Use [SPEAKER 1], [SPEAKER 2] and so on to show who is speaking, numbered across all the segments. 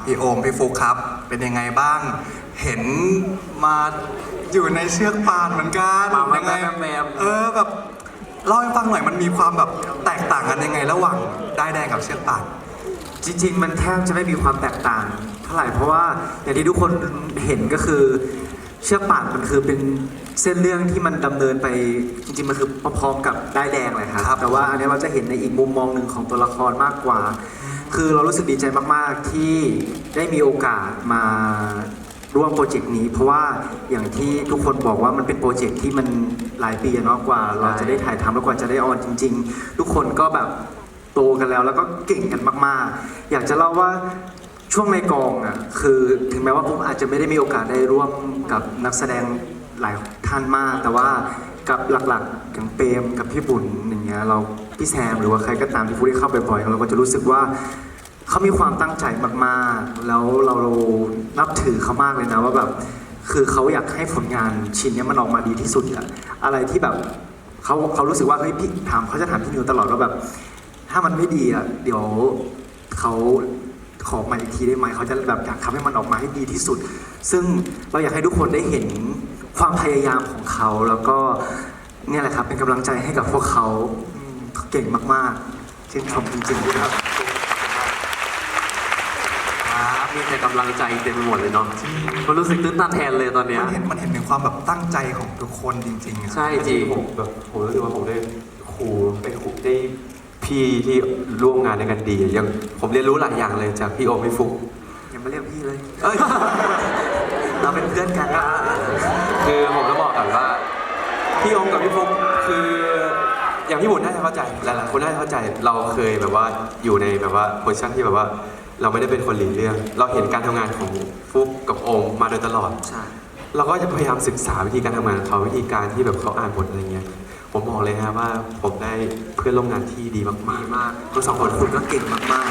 [SPEAKER 1] พี่โอมพี่ฟุกครับเป็นยังไงบ้างเห็นมาอยู่ในเชือกป่านเหมือนกัน
[SPEAKER 2] ยังไง
[SPEAKER 1] แบบเล่าให้ฟังหน่อยมันมีความแบบแตกต่างกันยังไงระหว่างด้ายแดงกับเชือกป่าน
[SPEAKER 2] จริงๆมันแทบจะไม่มีความแตกต่างเท่าไหร่เพราะว่าอย่างที่ทุกคนเห็นก็คือเชือกป่านมันคือเป็นเส้นเรื่องที่มันดำเนินไปจริงๆมันคือพร้อมๆกับด้ายแดงเลยครับแต่ว่าอันนี้เราจะเห็นในอีกมุมมองหนึ่งของตัวละครมากกว่าคือเรารู้สึกดีใจมากๆที่ได้มีโอกาสมาร่วมโปรเจกต์นี้เพราะว่าอย่างที่ทุกคนบอกว่ามันเป็นโปรเจกต์ที่มันหลายปีเนาะกว่าเราจะได้ถ่ายทำแล้วกว่าจะได้ออนจริงๆทุกคนก็แบบโตกันแล้วก็เก่งกันมากๆอยากจะเล่าว่าช่วงในกองอ่ะคือถึงแม้ว่าผมอาจจะไม่ได้มีโอกาสได้ร่วมกับนักแสดงหลายท่านมากแต่ว่ากับหลักๆอย่างเปรมกับพี่บุญอย่างเงี้ยเราพี่แซมหรือว่าใครก็ตามที่ผู้ได้เข้าไปบ่อยๆเราก็จะรู้สึกว่าเขามีความตั้งใจมากๆแล้วเรานับถือเขามากเลยนะว่าแบบคือเขาอยากให้ผลงานชิ้นนี้มันออกมาดีที่สุดอะอะไรที่แบบเขารู้สึกว่าเฮ้ยพี่เขาจะถามพี่นิวตลอดว่าแบบถ้ามันไม่ดีอะเดี๋ยวเขาขอมาอีกทีได้ไหมเขาจะแบบอยากทำให้มันออกมาให้ดีที่สุดซึ่งเราอยากให้ทุกคนได้เห็นความพยายามของเขาแล้วก็เนี่ยแหละครับเป็นกำลังใจให้กับพวกเขาเก่งมากๆชื่นชมจริงๆครับ
[SPEAKER 3] มีแต่กำลังใจเต็มไปหมดเลยเนาะมันรู้สึกตื้นตันแทนเลยตอนเนี้ย
[SPEAKER 1] มันเห็นถึงความแบบตั้งใจของทุกคนจริงๆ
[SPEAKER 3] ใช่จริง
[SPEAKER 4] ผมรู้สึกว่าผมได้ครูได้พี่ที่ร่วมงานด้วยกันดียังผมเรียนรู้หลายอย่างเลยจากพี่โอมพี่ฟุก
[SPEAKER 2] อย่ามาเรียกพี่เลยเราเป็นเพื่อนกัน
[SPEAKER 4] คือผมจะบอกก่อนว่าพี่โอมกับพี่ฟุกคืออย่างพี่บุญน่าจะเข้าใจหลายๆคนน่าจะเข้าใจเราเคยแบบว่าอยู่ในแบบว่าโพสิชั่นที่แบบว่าเราไม่ได้เป็นคนหลีเรื่องเราเห็นการทำงานของฟุกกับโอมมาโดยตลอดเราก็จะพยายามศึกษาวิธีการทำงานของเขาวิธีการที่แบบเขาอ่านบทอะไรเงี้ยผมบอกเลยนะว่าผมได้เพื่อนร่วมงานที่ดีมาก
[SPEAKER 2] ทั้งสองคนคุณก็เก่งมาก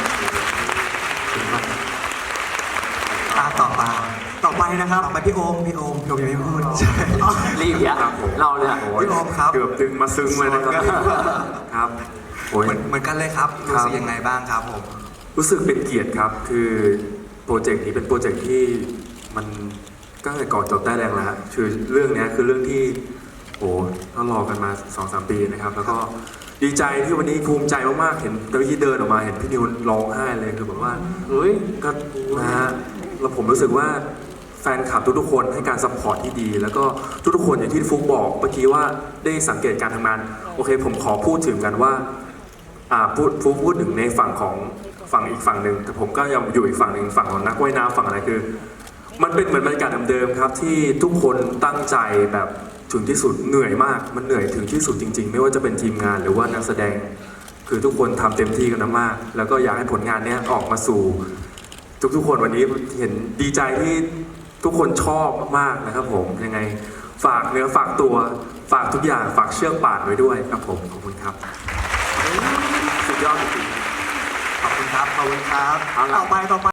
[SPEAKER 1] ต่อไปนะครับต่อไปพี่โอมยังไม่พูดใช่
[SPEAKER 3] รีบเนี่ยเราเนี่ย
[SPEAKER 1] พี่โอมครับ
[SPEAKER 4] เกือบดึงมาซึ้งเลยนะครับ
[SPEAKER 1] เหมือนกันเลยครับรู้สึกยังไงบ้างครับผม
[SPEAKER 4] รู้สึกเป็นเกียรติครับคือโปรเจกต์นี้เป็นโปรเจกต์ที่มันก็ตั้งแต่ก่อนจบได้แรงแล้วคือเรื่องนี้คือเรื่องที่เรารอกันมา 2-3 ปีนะครับแล้วก็ดีใจที่วันนี้ภูมิใจมากๆเห็นตอนที่เดินออกมาเห็นพี่นิวร้องไห้เลยคือแบบว่าก็นะฮะแล้วผมรู้สึกว่าแฟนคลับทุกๆคนให้การซัพพอร์ตที่ดีแล้วก็ทุกๆคนอย่างที่ฟุกบอกเมื่อกี้ว่าได้สังเกตการทำงานโอเคผมขอพูดถึงกันว่าพูดถึงในฝั่งของฝั่งอีกฝั่งหนึ่งแต่ผมก็ยังอยู่อีกฝั่งหนึ่งฝั่งของนักว่ายน้ำฝั่งอะไรคือมันเป็นเหมือนบรรยากาศเดิมๆครับที่ทุกคนตั้งใจแบบถึงที่สุดเหนื่อยมากมันเหนื่อยถึงที่สุดจริงๆไม่ว่าจะเป็นทีมงานหรือว่านักแสดงคือทุกคนทำเต็มที่กันมากแล้วก็อยากให้ผลงานนี้ออกมาสู่ทุกๆคนวันนี้เห็นดีใจที่ทุกคนชอบมากนะครับผมยังไงฝากเนื้อฝากตัวฝากทุกอย่างฝากเชือกป่านไว้ด้วยครับผมขอบคุณครับ
[SPEAKER 1] สุดยอดจริงๆขอบคุณครับต่อไป